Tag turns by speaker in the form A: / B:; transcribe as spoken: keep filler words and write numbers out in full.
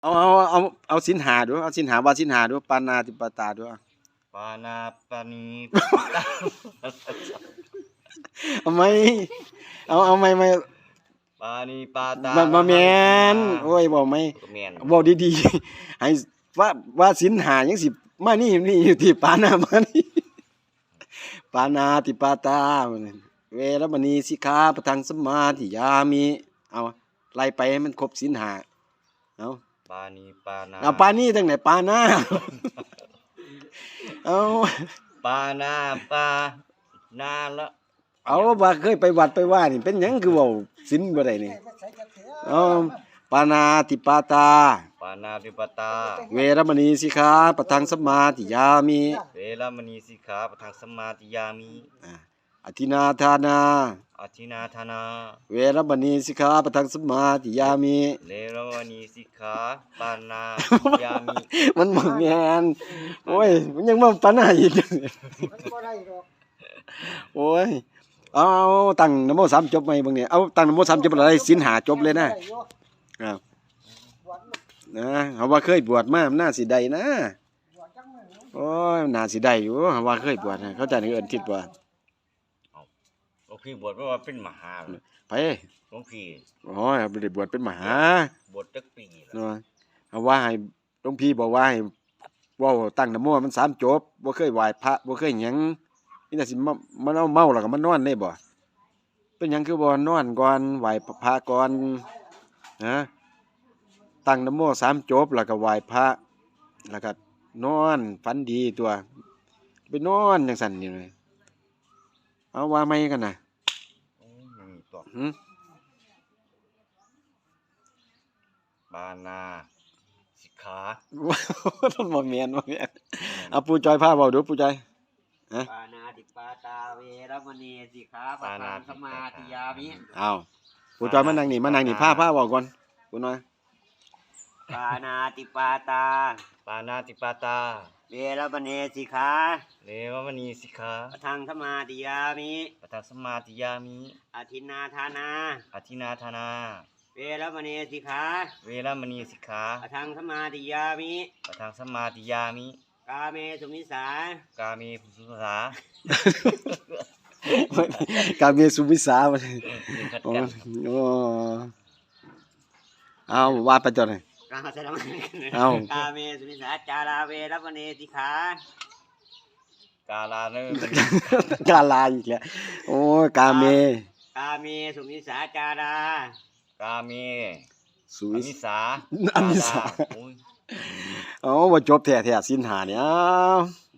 A: เอาเอาเอาเอาสินหาดูเอาสินหาว่าสินหาดูปานาติปาตาดู
B: ปานาปานี
A: เอาไหมเอาเอาไหมไหม
B: ปานีปาตา
A: มามาแมนโอ้ยบอกไหมบอกดีๆให้ว่าว่าสินหายังสิมานี่นี่อยู่ที่ปานามานี่ปานาติปาตาเวรมณีสิกขาปะทังสมาธิยามิเอาไล่ไปให้มันครบสินหาเอา
B: ปานีปานา
A: เอาปานี่ตั้งไหนปานาเอา
B: ปานาปานาละ
A: เอาว่าเคยไปวัดไปว่านี่เป็นหยังคือเว้าศีลบ่ได้นี่เอาปานาติปาตา
B: ปานาติปาตา
A: เวรมณีสิกขาปะทังสมาธิยามิ
B: เวรมณีสิกขาปะทังสมาธิยามิ
A: อธินาทานา
B: อธินาทานา
A: เวรมณีสิกขาปะทังสมาธิยามิ
B: เวรมณีสิกขาปานาธิยามิ
A: มันบ่แม่นโอ้ยมันยังมาปานาอีกมันบ่ได้ดอกโอ้ยเอาตั้งนะโมสามจบไหมบางเนี่ยเอาตั้งนะโมสามจบอะไรศีลหาจบเลยนะอ้าวนะเขาว่าเคยบวชมาน่าสิได้นะโอ้ยน่าสิได้อยู่เขาว่าเคยบวชเขาจะเอิ้นทิศว่า
B: หลวงพี่บวชว่าเป็นมหา
A: ไป
B: หลวงพี่
A: โอ้ยบ่ได้บวชเป็นมหา
B: บวชจักปี
A: เนาะเขาว่าให้หลวงพี่บอกว่าให้เว้าตั้งนะโมมันสามจบบ่เคยไหว้พระบ่เคยหยังนี่น่ะสิมันเอาเมาแล้วก็มันนอนได้บ่เป็นหยังคือบ่นอนก่อนไหว้พระก่อนนะตั้งนะโมสามจบแล้วก็ไหว้พระแล้วก็นอนฝันดีตัวไปนอนจังซั่นนี่เลยเอาว่าไม่กันน่ะหือ
B: ปานาสิกขา
A: มันบ่แม่นบ่แม่นเอาปู่จอยพาเว้าดูปู่จอย
C: ปานาติปาตาเวรมณีสิกขาปะทังสมาธิยามิ
A: อ้าวปู่จอยมานั่งนี่มานั่งนี่พาพาเว้าก่อนปู่น้อย
C: ปานาติปาตา
B: ปานาติปาตา
C: เวรมณีสิกขา
B: เวรมณีสิกขา
C: ปะทังสมาธิยามิ
B: ปะทังสมาธิยามิ
C: อธินาทานา
B: อธินาทานา
C: เวรมณีสิกขา
B: เวรมณีสิกขา
C: ปะทังสมาธิยามิ
B: ปะทังสมาธิยามิ
C: กาเมสุมิสาก
B: าเมสุมิสา
A: กาเมสุมิสาบ่โอ้โอ้เอาว่าไปจดเลยเอา
C: กาเมสุมิสาจาราเวรมณีสิกขาก
B: าลาเน
A: กาลาอีกแล้วโอ้กาเม
C: กาเมสุมิสาจาราก
B: าเม
A: สุ
B: มิสา
A: อมิสาโอ้ว่าจบแท้ๆศีลห้าเนี่ย